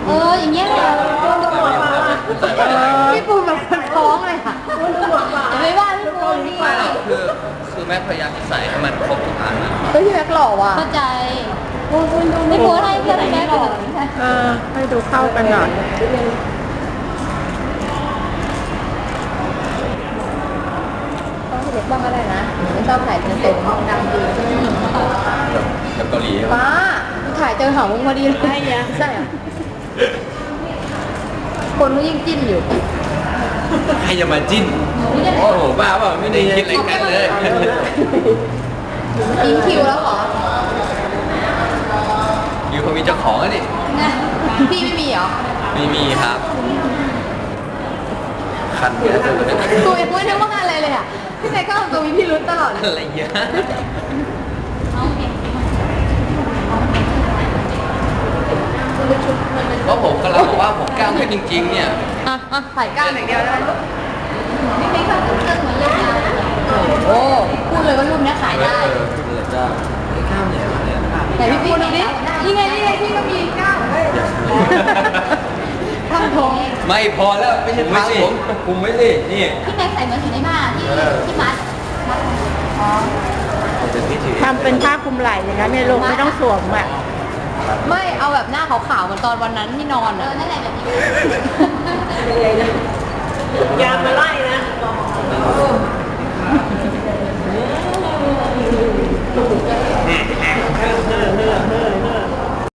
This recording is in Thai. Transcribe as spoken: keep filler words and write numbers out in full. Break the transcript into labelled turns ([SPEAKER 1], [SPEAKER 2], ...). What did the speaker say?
[SPEAKER 1] เอออย่างเงี้ยเลยพี่ปูแบบคนท้องเลยค่ะอย่าไปว่าพี่ปูนี่
[SPEAKER 2] ไม่หรอกคือคือแม่พยายามจะใส่ให้มันครบทุกอันนะ
[SPEAKER 1] เฮ้ยพี่แม็กหล่อว่ะเข้าใจพี่ปูให้เพื่อนแม็กหล่อ
[SPEAKER 3] เออให้ดูเข้ากันหน่อย
[SPEAKER 1] ต้องเล็กบ้างก็ได้นะไม่ชอบถ่ายเต็มๆดังดีใช่ไหม
[SPEAKER 2] แบบเกาหลี
[SPEAKER 1] ป้าถ่ายเจอหางมุ้งพอดีเลยใช่อะใช่อะคนก็ยิ่งจิ้นอยู่
[SPEAKER 2] ใครจะมาจิ้นโอ้โหบ้าเปล่าไม่ได้คิดอะไรกันเลย
[SPEAKER 1] อินคิวแล้วเหรอ
[SPEAKER 2] อยู่เขามีเจ้าของแล้วนี่
[SPEAKER 1] พี่ไม่มีเหรอ
[SPEAKER 2] ไม่มีครับคันเยอะจังเลย
[SPEAKER 1] ตัวเองไม่ได้ว่าอะไรเลยอ่ะพี่แม็กก็ทำตัวมีพิรุธตลอดเลย
[SPEAKER 2] อะไรเยอะเพราะผมกำลังบอกว่าผมกล้ามขึ้นจริงๆเนี่ย
[SPEAKER 1] อ่ะอ่ะถ่ายก้านอย่างเดียวได้ไหมพี่แม็กก็ขึ้นเครื่องเหมือนเลยโอ้พูดเลยว่ารูปนี้ขายได้
[SPEAKER 2] เออขึ้นเลยจ้าไอ้กล้ามเนี่ยเนี่ย
[SPEAKER 1] แต่พี่ปูดูดินี่ไงนี่ไงพี่ก็มีก้าวทำทง
[SPEAKER 2] ไม่พอแล้วไม่ใช่ทางผมคุมไว้สินี่
[SPEAKER 1] พี่แม็กใส่เหมือนอยู่ในบ้านที่ที่มัดมัดอ๋อ
[SPEAKER 2] จะพิธี
[SPEAKER 3] ทำเป็นผ้าคลุมไหล่อย่างนั้นเนี่ยลูกไม่ต้องสวมอ่ะ
[SPEAKER 1] ไม่เอาแบบหน้าขาวๆเหมือนตอนวันนั้นที่นอนอ่ะนั่นแหละแบบนี้